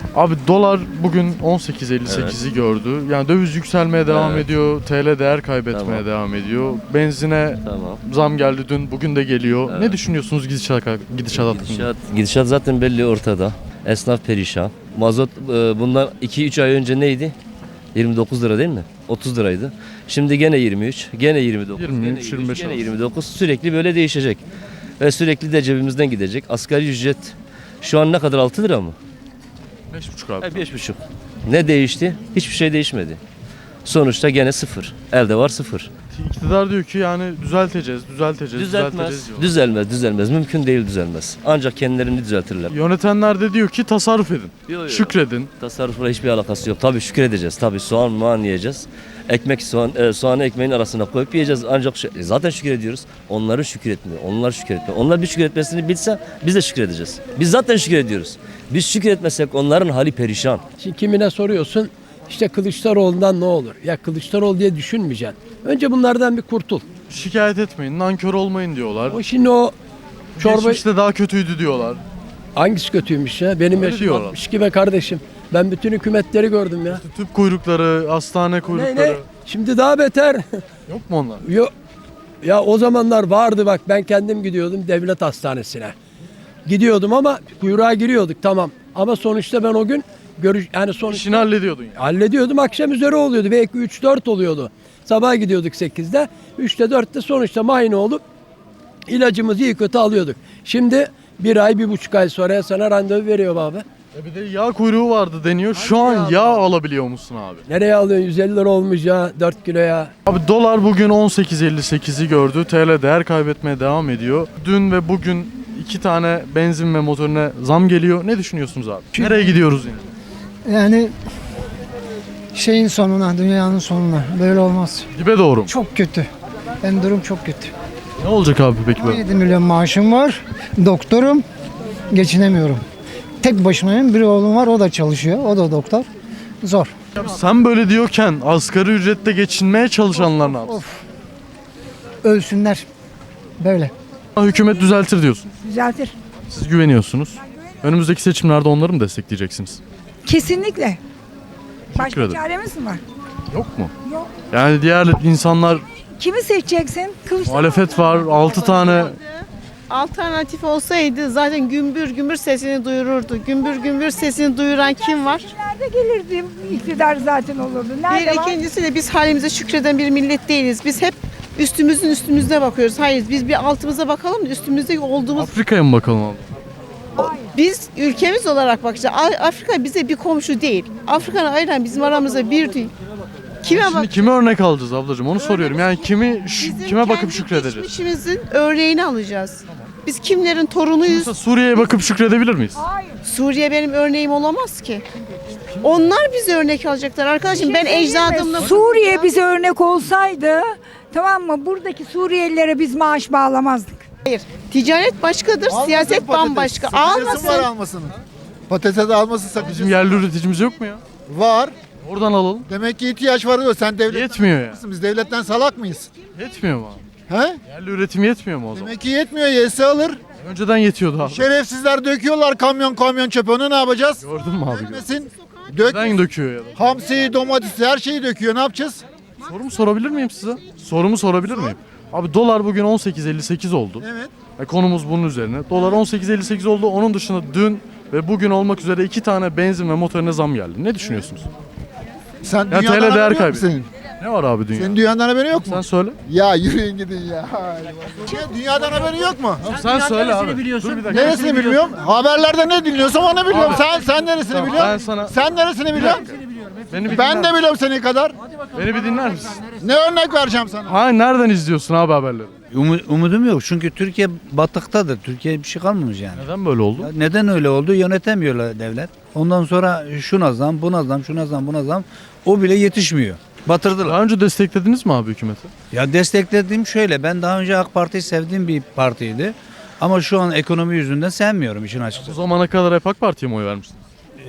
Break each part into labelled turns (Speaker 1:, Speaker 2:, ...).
Speaker 1: Abi dolar bugün 18.58'i gördü. Yani döviz yükselmeye devam
Speaker 2: Evet.
Speaker 1: ediyor. TL değer kaybetmeye
Speaker 2: Tamam.
Speaker 1: devam ediyor. Benzine
Speaker 2: Tamam.
Speaker 1: zam geldi dün, bugün de geliyor.
Speaker 2: Evet.
Speaker 1: Ne düşünüyorsunuz gidişat hakkında?
Speaker 2: Gidişat zaten belli ortada. Esnaf perişan. Mazot bundan 2-3 ay önce neydi? 29 lira değil mi? 30 liraydı. Şimdi gene 23, gene 29,
Speaker 1: 23,
Speaker 2: gene 23,
Speaker 1: 25
Speaker 2: gene
Speaker 1: arası.
Speaker 2: 29. Sürekli böyle değişecek. Ve sürekli de cebimizden gidecek. Asgari ücret şu an ne kadar, 6 lira mı?
Speaker 1: 5,5 abi.
Speaker 2: 5,5. Ne değişti? Hiçbir şey değişmedi. Sonuçta gene sıfır. Elde var sıfır.
Speaker 1: İktidar diyor ki yani düzelteceğiz
Speaker 2: Düzeltmez.
Speaker 1: diyor.
Speaker 2: Düzelmez. Mümkün değil düzelmez. Ancak kendilerini düzeltirler.
Speaker 1: Yönetenler de diyor ki tasarruf edin. Şükredin.
Speaker 2: Tasarrufla hiçbir alakası yok. Tabii şükredeceğiz. Tabii soğan muan yiyeceğiz. Ekmek soğanı ekmeğin arasına koyup yiyeceğiz. Ancak zaten şükrediyoruz. Onların şükretmiyor. Onlar şükretmiyor. Onlar bir şükretmesini bilse biz de şükredeceğiz. Biz zaten şükrediyoruz. Biz şükretmesek onların hali perişan.
Speaker 3: Şimdi kimine soruyorsun işte Kılıçdaroğlu'ndan ne olur? Ya Kılıçdaroğlu diye düşünmeyeceksin. Önce bunlardan bir kurtul.
Speaker 1: Şikayet etmeyin, nankör olmayın diyorlar.
Speaker 3: O şimdi o çorba
Speaker 1: Geçmişte daha kötüydü diyorlar.
Speaker 3: hangisi kötüymüş ya? Benim
Speaker 1: Öyle
Speaker 3: yaşım
Speaker 1: diyorlar.
Speaker 3: 62 be kardeşim. Ben bütün hükümetleri gördüm ya.
Speaker 1: Tüp kuyrukları, hastane
Speaker 3: Ne
Speaker 1: kuyrukları.
Speaker 3: ne? Şimdi daha beter.
Speaker 1: Yok mu onlar?
Speaker 3: Ya o zamanlar vardı bak ben kendim gidiyordum devlet hastanesine. Gidiyordum ama kuyruğa giriyorduk tamam. Ama sonuçta ben o gün yani sonuçta
Speaker 1: İşini hallediyordun yani.
Speaker 3: hallediyordum akşam üzeri oluyordu. Belki 3-4 oluyordu. Sabah gidiyorduk 8'de. 3'te 4'te sonuçta muayene olup ilacımızı iyi kötü alıyorduk. Şimdi bir ay 1,5 ay sonra sana randevu veriyor abi.
Speaker 1: Bir de yağ kuyruğu vardı deniyor. Şu an yağ alabiliyor musun abi?
Speaker 3: Nereye alıyorsun? 150 lira olmuş ya 4 kilo ya.
Speaker 1: Abi dolar bugün 18.58'i gördü. TL değer kaybetmeye devam ediyor. Dün ve bugün 2 tane benzin ve motorine zam geliyor. Ne düşünüyorsunuz abi? Nereye gidiyoruz yine?
Speaker 4: Yani şeyin sonuna, dünyanın sonuna. Böyle olmaz.
Speaker 1: Dibe doğru mu?
Speaker 4: Çok kötü. Yani durum çok kötü.
Speaker 1: Ne olacak abi peki böyle?
Speaker 4: 17 milyon maaşım var. Doktorum. Geçinemiyorum. Tek başımayım. Bir oğlum var. O da çalışıyor. O da doktor. Zor.
Speaker 1: Abi sen böyle diyorken asgari ücrette geçinmeye çalışanlar ne yapsın?
Speaker 4: Ölsünler. Böyle.
Speaker 1: Hükümet düzeltir diyorsun.
Speaker 5: Düzeltir.
Speaker 1: Siz güveniyorsunuz. Önümüzdeki seçimlerde onları mı destekleyeceksiniz?
Speaker 5: Kesinlikle. Başka
Speaker 1: ederim.
Speaker 5: çaremiz mi var?
Speaker 1: Yok mu?
Speaker 5: Yok.
Speaker 1: Yani diğer insanlar,
Speaker 5: Kimi seçeceksin? Kılıçdaroğlu.
Speaker 1: muhalefet var, 6 tane
Speaker 6: Alternatif olsaydı zaten gümbür gümbür sesini duyururdu. Gümbür gümbür sesini duyuran kim var?
Speaker 5: Nerede gelirdi? İktidar zaten olurdu. Nerede
Speaker 6: Bir
Speaker 5: var?
Speaker 6: ikincisi de biz halimize şükreden bir millet değiliz. Biz hep üstümüzde bakıyoruz. Hayır biz bir altımıza bakalım da üstümüzde olduğumuz.
Speaker 1: Afrika'ya mı bakalım abi?
Speaker 6: Biz ülkemiz olarak bakacağız. Afrika bize bir komşu değil. Afrika'nın ayıran bizim aramızda bir değil. Kime bak?
Speaker 1: Şimdi kime örnek alacağız ablacığım onu soruyorum. Yani
Speaker 6: Bizim
Speaker 1: kime bakıp
Speaker 6: kendi
Speaker 1: şükredeceğiz?
Speaker 6: geçmişimizin örneğini alacağız. Biz kimlerin torunuyuz?
Speaker 1: Mesela Suriye'ye bakıp şükredebilir miyiz?
Speaker 6: Suriye benim örneğim olamaz ki. Onlar bize örnek alacaklar arkadaşım. Ben ecdadımla
Speaker 5: Suriye bize örnek olsaydı, tamam mı? Buradaki Suriyelilere biz maaş bağlamazdık.
Speaker 6: Hayır. Ticaret başkadır, siyaset bambaşka.
Speaker 7: Sakıncası var
Speaker 6: Almasın.
Speaker 7: almasının. Patates alması sakıncası
Speaker 1: Bizim yerli üreticimiz yok mu ya?
Speaker 7: var.
Speaker 1: Oradan alalım.
Speaker 7: Demek ki ihtiyaç var diyor. Sen devlet
Speaker 1: Yetmiyor ya.
Speaker 7: Biz devletten salak mıyız?
Speaker 1: Yetmiyor mu abi?
Speaker 7: He?
Speaker 1: Yerli üretim yetmiyor mu o zaman?
Speaker 7: Demek ki yetmiyor. Yese alır.
Speaker 1: Önceden yetiyordu abi.
Speaker 7: Şerefsizler döküyorlar kamyon çöpe. Onu ne yapacağız?
Speaker 1: Gördün mü abi?
Speaker 7: Dökmesin. Dök.
Speaker 1: Neden döküyor ya da?
Speaker 7: Hamsiyi, domatesi her şeyi döküyor. Ne yapacağız?
Speaker 1: Sorumu sorabilir miyim size? Sorumu sorabilir miyim? Abi dolar bugün 18.58 oldu.
Speaker 7: Evet.
Speaker 1: Konumuz bunun üzerine. Dolar 18.58 oldu. Onun dışında dün ve bugün olmak üzere 2 tane benzin ve motorine zam geldi. Ne düşünüyorsunuz?
Speaker 7: Sen
Speaker 1: Ya
Speaker 7: dünyadan
Speaker 1: TL değer
Speaker 7: haberin yok mu
Speaker 1: kaybediyor.
Speaker 7: senin?
Speaker 1: Ne var abi dünya?
Speaker 7: Senin dünyadan haberin yok mu?
Speaker 1: Sen söyle.
Speaker 7: Ya yürüyün gidin ya. Dünyadan haberin yok mu?
Speaker 1: Sen söyle abi. Dur bir dakika.
Speaker 7: Neresini bilmiyorum? Haberlerde ne dinliyorsam onu biliyorum.
Speaker 1: Abi.
Speaker 7: Sen neresini
Speaker 1: Tamam,
Speaker 7: biliyorsun?
Speaker 1: ben sana-
Speaker 7: Sen neresini biliyorsun?
Speaker 1: Beni bir
Speaker 7: Ben
Speaker 1: dinler
Speaker 7: de
Speaker 1: misin?
Speaker 7: biliyorum senin kadar.
Speaker 1: Beni bir dinler misin?
Speaker 7: Ne örnek vereceğim sana?
Speaker 1: Ha nereden izliyorsun abi haberleri?
Speaker 8: Umudum yok çünkü Türkiye batıktadır. Türkiye bir şey kalmamış yani.
Speaker 1: Neden böyle oldu?
Speaker 8: Neden öyle oldu? Yönetemiyorlar devlet. Ondan sonra şuna zam, buna zam, şuna zam, buna zam. O bile yetişmiyor. Batırdılar.
Speaker 1: Daha önce desteklediniz mi abi hükümeti?
Speaker 8: Ya desteklediğim şöyle. Ben daha önce AK Parti'yi sevdiğim bir partiydi. Ama şu an ekonomi yüzünden sevmiyorum işin
Speaker 1: Bu
Speaker 8: açıkçası.
Speaker 1: zamana kadar hep AK Parti'ye mi oy vermiştiniz?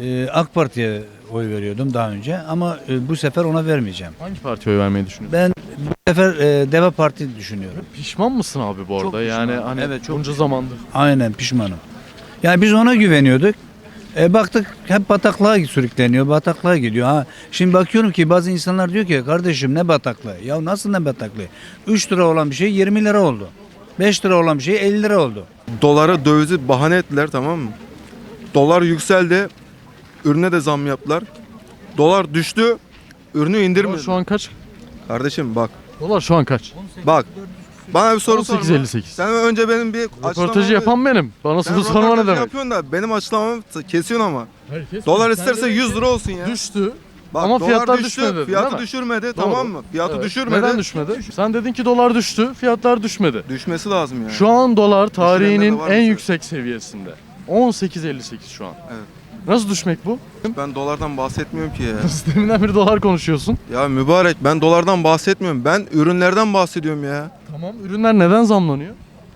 Speaker 8: AK Parti'ye oy veriyordum daha önce ama bu sefer ona vermeyeceğim.
Speaker 1: Hangi partiye oy vermeyi düşünüyorsun?
Speaker 8: Ben bu sefer Deva Parti düşünüyorum.
Speaker 1: Pişman mısın abi bu arada?
Speaker 8: Çok
Speaker 1: Yani
Speaker 8: pişmanım.
Speaker 1: hani
Speaker 8: Evet, çok
Speaker 1: bunca zamandır.
Speaker 8: Aynen pişmanım. Yani biz ona güveniyorduk. Baktık hep bataklığa sürükleniyor, bataklığa gidiyor. Ha, şimdi bakıyorum ki bazı insanlar diyor ki kardeşim ne bataklığı? Ya nasıl ne bataklığı? 3 lira olan bir şey 20 lira oldu. 5 lira olan bir şey 50 lira oldu.
Speaker 9: Dolara dövizi bahane ettiler, tamam mı? Dolar yükseldi. Ürüne de zam yaptılar. Dolar düştü. Ürünü
Speaker 1: Dolar
Speaker 9: indirmedi.
Speaker 1: şu an kaç?
Speaker 9: Kardeşim bak.
Speaker 1: Dolar şu an kaç?
Speaker 9: Bak. Bana bir soru sorma.
Speaker 1: 18.58.
Speaker 9: Sen önce benim bir
Speaker 1: Röportajı yapan benim. Bana soru sorma ne
Speaker 9: röportajı
Speaker 1: demek?
Speaker 9: yapıyorsun da benim açıklamamı kesiyorsun ama.
Speaker 1: Herkes
Speaker 9: Dolar isterse 100 lira olsun ya.
Speaker 1: düştü.
Speaker 9: Bak,
Speaker 1: Ama
Speaker 9: dolar
Speaker 1: fiyatlar
Speaker 9: düştü,
Speaker 1: düşmedi dedin,
Speaker 9: Fiyatı
Speaker 1: değil mi?
Speaker 9: düşürmedi,
Speaker 1: Doğru.
Speaker 9: tamam mı? Fiyatı
Speaker 1: Evet.
Speaker 9: düşürmedi.
Speaker 1: Neden düşmedi? Sen dedin ki dolar düştü, fiyatlar düşmedi.
Speaker 9: Düşmesi lazım yani.
Speaker 1: Şu an dolar tarihinin
Speaker 9: Düşürenler de var
Speaker 1: en
Speaker 9: mesela.
Speaker 1: yüksek seviyesinde. 18.58 şu an.
Speaker 9: Evet.
Speaker 1: Nasıl düşmek bu?
Speaker 9: Ben dolardan bahsetmiyorum ki ya.
Speaker 1: Sisteminden beri dolar konuşuyorsun.
Speaker 9: Ya mübarek, ben dolardan bahsetmiyorum. Ben ürünlerden bahsediyorum ya.
Speaker 1: Tamam. Ürünler neden zamlanıyor?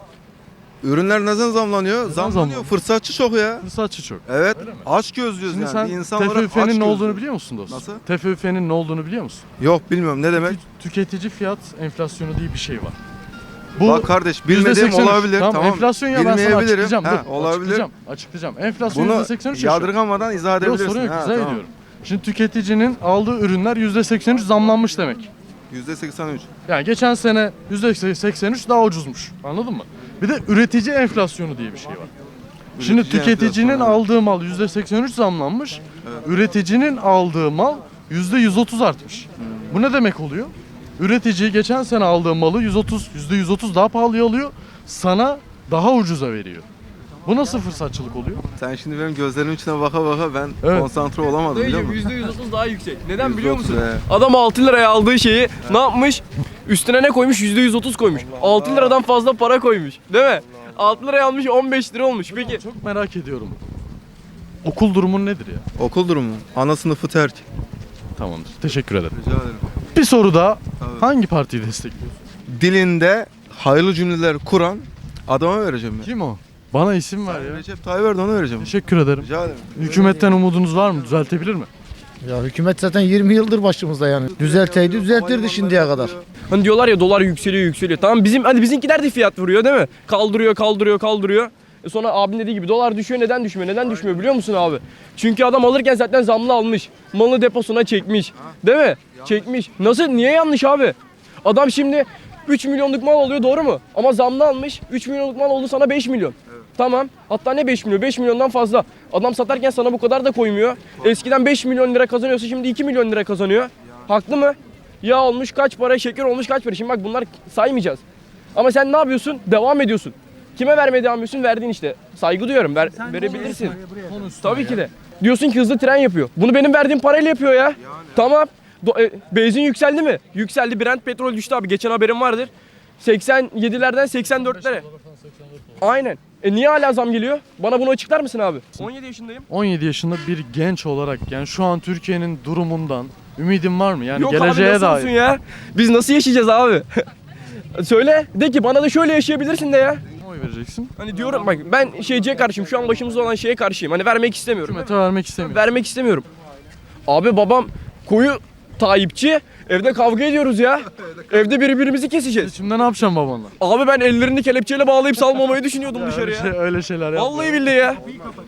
Speaker 9: Ürünler neden zamlanıyor? Zamlanıyor.
Speaker 1: zamlanıyor?
Speaker 9: Fırsatçı çok ya.
Speaker 1: Fırsatçı çok.
Speaker 9: Evet. Aç gözlüyoruz
Speaker 1: Şimdi
Speaker 9: yani.
Speaker 1: sen
Speaker 9: Bir insan olarak aç
Speaker 1: TFÜF'nin ne olduğunu
Speaker 9: gözlüyoruz.
Speaker 1: biliyor musun dostum?
Speaker 9: Nasıl?
Speaker 1: TFÜF'nin ne olduğunu biliyor musun?
Speaker 9: Yok, bilmiyorum ne demek.
Speaker 1: Tüketici fiyat enflasyonu diye bir şey var. Bu
Speaker 9: Bak kardeş, bilmediğim
Speaker 1: %83.
Speaker 9: olabilir. Tamam.
Speaker 1: Enflasyon ya ben sana
Speaker 9: Bilmeyebilirim.
Speaker 1: açıklayacağım.
Speaker 9: Ha,
Speaker 1: Dur,
Speaker 9: olabilir.
Speaker 1: Açıklayacağım. Enflasyon
Speaker 9: Bunu
Speaker 1: %83 yaşıyor.
Speaker 9: yadırgamadan izah
Speaker 1: Yok
Speaker 9: edebilirsin.
Speaker 1: sorun yok,
Speaker 9: Ha,
Speaker 1: izah
Speaker 9: tamam.
Speaker 1: ediyorum. Şimdi tüketicinin aldığı ürünler %83 zamlanmış demek.
Speaker 9: %83.
Speaker 1: Yani geçen sene %83 daha ucuzmuş. Anladın mı? Bir de üretici enflasyonu diye bir şey var. Şimdi
Speaker 9: Üretici
Speaker 1: tüketicinin
Speaker 9: enflasyonu.
Speaker 1: aldığı mal %83 zamlanmış. Üreticinin aldığı mal %130 artmış. Bu ne demek oluyor? Üretici geçen sene aldığı malı %130 daha pahalıya alıyor. Sana daha ucuza veriyor. Bu nasıl fırsatçılık oluyor?
Speaker 9: Sen şimdi benim gözlerimin içine baka baka ben
Speaker 1: Evet.
Speaker 9: konsantre olamadım, biliyor musun?
Speaker 10: %130 daha yüksek. Neden biliyor
Speaker 9: %30,
Speaker 10: musun?
Speaker 9: he.
Speaker 10: Adam 6 liraya aldığı şeyi ne yapmış? Üstüne ne koymuş? %130 koymuş. 6 liradan fazla para koymuş. Değil mi? 6 liraya almış 15 lira olmuş. Peki
Speaker 1: Çok merak ediyorum. Okul durumun nedir ya?
Speaker 9: Okul durumu. Ana sınıfı terk.
Speaker 1: Tamamdır. Teşekkür ederim.
Speaker 9: Rica ederim.
Speaker 1: Bir soru daha.
Speaker 9: Tabii.
Speaker 1: Hangi partiyi destekliyorsun?
Speaker 9: Dilinde hayırlı cümleler kuran adama vereceğim ben.
Speaker 1: Kim o? Bana isim ver ya.
Speaker 9: Recep Tayyip Erdoğan'a vereceğim.
Speaker 1: Teşekkür ederim.
Speaker 9: Rica ederim.
Speaker 1: Hükümetten umudunuz var mı? Düzeltebilir mi?
Speaker 7: Ya hükümet zaten 20 yıldır başımızda yani. Düzelteydi düzeltirdi şimdiye kadar.
Speaker 10: hani diyorlar ya dolar yükseliyor yükseliyor. Tamam bizimkiler de fiyat vuruyor değil mi? Kaldırıyor. Sonra abinin dediği gibi dolar düşüyor, neden düşmüyor? Neden düşmüyor biliyor musun abi? Çünkü adam alırken zaten zamlı almış. Malını deposuna çekmiş. Değil mi? Çekmiş. Nasıl? Niye yanlış abi? Adam şimdi 3 milyonluk mal alıyor, doğru mu? Ama zamlı almış. 3 milyonluk mal oldu sana 5 milyon. Tamam. Hatta ne 5 milyon? 5 milyondan fazla. Adam satarken sana bu kadar da koymuyor. Eskiden 5 milyon lira kazanıyorsa şimdi 2 milyon lira kazanıyor. Haklı mı? Yağ olmuş kaç para, şeker olmuş kaç para. Şimdi bak bunlar saymayacağız. Ama sen ne yapıyorsun? Devam ediyorsun. Kime vermeye devam ediyorsun? Verdiğin işte. Saygı duyuyorum. Verebilirsin. Tabii ki de. Diyorsun ki hızlı tren yapıyor. Bunu benim verdiğim parayla yapıyor ya. Tamam. Benzin yükseldi mi? Yükseldi. Brent petrol düştü abi. Geçen haberim vardır. 87'lerden 84'lere. Aynen. Niye hala zam geliyor? Bana bunu açıklar mısın abi? 17 yaşındayım.
Speaker 1: 17 yaşında bir genç olarak yani şu an Türkiye'nin durumundan ümidin var mı? Yani
Speaker 10: Yok abi
Speaker 1: geleceğe
Speaker 10: nasıl olsun
Speaker 1: dair.
Speaker 10: ya? Biz nasıl yaşayacağız abi? Söyle. De ki bana da şöyle yaşayabilirsin de ya.
Speaker 1: Oy vereceksin.
Speaker 10: Hani diyorum bak ben şeyciye karşıyım. Şu an başımızda olan şeye karşıyım. Hani vermek istemiyorum.
Speaker 1: Hükümete vermek istemiyorum.
Speaker 10: Vermek istemiyorum. Abi babam koyu Tayyipçi. Evde kavga ediyoruz ya. Evde birbirimizi keseceğiz.
Speaker 1: Şimdi ne yapacağım babanla?
Speaker 10: Abi ben ellerini kelepçeyle bağlayıp salmamayı düşünüyordum dışarıya.
Speaker 1: Öyle şeyler yapma.
Speaker 10: Vallahi billahi ya.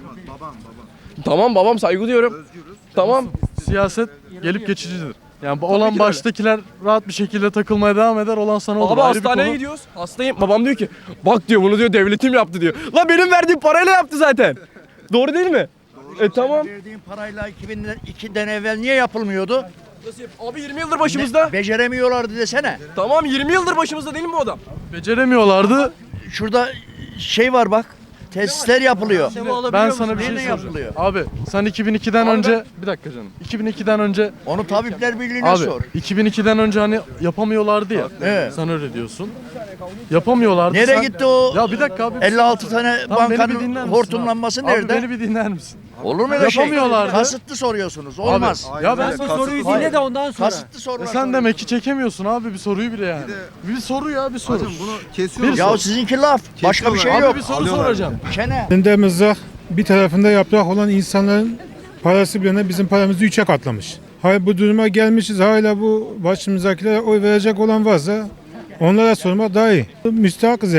Speaker 10: Tamam babam saygı duyuyorum. Tamam.
Speaker 1: Siyaset gelip geçicidir. Yani olan baştakiler rahat bir şekilde takılmaya devam eder. Olan sana olur.
Speaker 10: Abi
Speaker 1: Ayrı bir
Speaker 10: hastaneye
Speaker 1: konu.
Speaker 10: gidiyoruz. Hastayım. Babam diyor ki bak diyor bunu diyor devletim yaptı diyor. La benim verdiğim parayla yaptı zaten. Doğru değil mi? Tamam.
Speaker 11: Verdiğin parayla 2002'den evvel niye yapılmıyordu?
Speaker 10: Nasıl Abi 20 yıldır başımızda.
Speaker 11: Beceremiyorlardı desene.
Speaker 10: Tamam 20 yıldır başımızda değil mi bu adam?
Speaker 1: Beceremiyorlardı.
Speaker 11: Şurada şey var bak. Tesisler yapılıyor.
Speaker 1: Ben sana bir şey
Speaker 11: Neyle
Speaker 1: soracağım.
Speaker 11: yapılıyor?
Speaker 1: Abi sen 2002'den önce bir dakika canım. 2002'den önce
Speaker 11: Onu Tabipler Birliği'ne
Speaker 1: abi
Speaker 11: sor.
Speaker 1: 2002'den önce hani yapamıyorlardı ya.
Speaker 11: Evet.
Speaker 1: Sen öyle diyorsun. Yapamıyorlardı.
Speaker 11: Nereye
Speaker 1: sen-
Speaker 11: gitti o
Speaker 1: Ya bir dakika abi.
Speaker 11: 56 tane
Speaker 1: Tamam, beni bir
Speaker 11: bankanın
Speaker 1: dinler misin
Speaker 11: hortumlanması
Speaker 1: abi?
Speaker 11: nerede?
Speaker 1: Abi beni bir dinler misin?
Speaker 11: Olur mu öyle şey?
Speaker 1: Yapamıyorlardı.
Speaker 11: Kasıtlı soruyorsunuz. Olmaz.
Speaker 1: Abi, ya ben
Speaker 9: Aynen,
Speaker 1: sana
Speaker 9: kasıtlı
Speaker 1: soruyu
Speaker 9: soru.
Speaker 1: dinle de ondan sonra.
Speaker 11: Kasıtlı sorular.
Speaker 1: Sen demek ki çekemiyorsun abi bir soruyu bile yani. Bir soru ya bir soru.
Speaker 9: Hacım bunu kesiyoruz.
Speaker 11: Ya sizinki laf. Başka bir şey
Speaker 1: Abi
Speaker 11: yok.
Speaker 1: bir soru
Speaker 9: Alıyorlar.
Speaker 1: soracağım.
Speaker 11: Çene.
Speaker 12: Elinde mızrak, bir tarafında yaprak olan insanların parası bile bizim paramızı 3'e katlamış. Hayır bu duruma gelmişiz, hala bu başımızdakilere oy verecek olan varsa onlara sormak daha iyi. Müstahakız demek.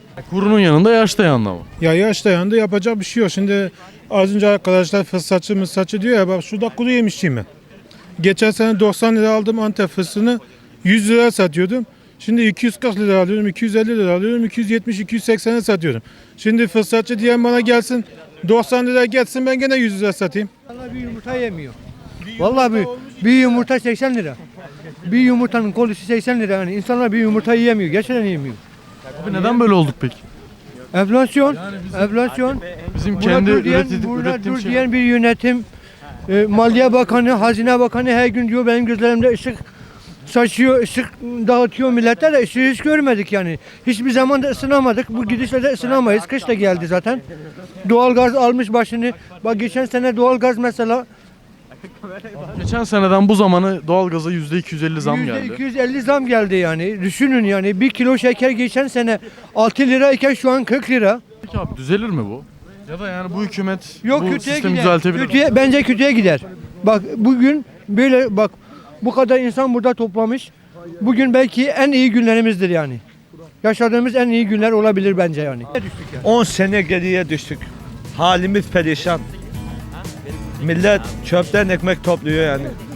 Speaker 1: Kurunun yanında yaş dayandı ama.
Speaker 12: Ya yaş dayandı yapacak bir şey yok. Şimdi az önce arkadaşlar fırsatçı mısatçı diyor ya bak şurada kuru yemişçiyim ben. Geçen sene 90 lira aldım Antep fıstığını 100 lira satıyordum. Şimdi 240 lira alıyorum, 250 lira alıyorum, 270-280'e satıyorum. Şimdi fırsatçı diyen bana gelsin 90 lira geçsin ben gene 100 lira satayım.
Speaker 13: Vallahi bir yumurta yemiyor. Vallahi bir yumurta 80 lira. Bir yumurtanın kolisi 80 lira yani. İnsanlar bir yumurta yiyemiyor. Gerçekten yiyemiyor.
Speaker 1: Abi neden böyle olduk peki?
Speaker 13: Enflasyon, enflasyon.
Speaker 1: Bizim
Speaker 13: Buna
Speaker 1: kendi
Speaker 13: dur diyen,
Speaker 1: ürettiğim
Speaker 13: buna dur
Speaker 1: şey.
Speaker 13: diyen bir yönetim, Maliye Bakanı, Hazine Bakanı her gün diyor benim gözlerimde ışık saçıyor, ışık dağıtıyor millete de ışığı hiç görmedik yani. Hiçbir zaman da ısınamadık. Bu gidişle de ısınamayız. Kış da geldi zaten. Doğalgaz almış başını. Bak geçen sene doğalgaz mesela
Speaker 1: Geçen seneden bu zamana doğalgaza %250 zam geldi.
Speaker 13: %250 zam geldi yani. Düşünün yani 1 kilo şeker geçen sene 6 lirayken şu an 40 lira.
Speaker 1: Peki abi düzelir mi bu? Ya da yani bu hükümet
Speaker 13: Yok
Speaker 1: bu
Speaker 13: kötüye
Speaker 1: sistemi
Speaker 13: gider.
Speaker 1: düzeltebilir mi?
Speaker 13: Kötüye, bence kötüye gider. Bak bugün böyle bak bu kadar insan burada toplamış. Bugün belki en iyi günlerimizdir yani. Yaşadığımız en iyi günler olabilir bence yani.
Speaker 11: 10 sene geriye düştük. Halimiz perişan. Millet çöpten ekmek topluyor yani.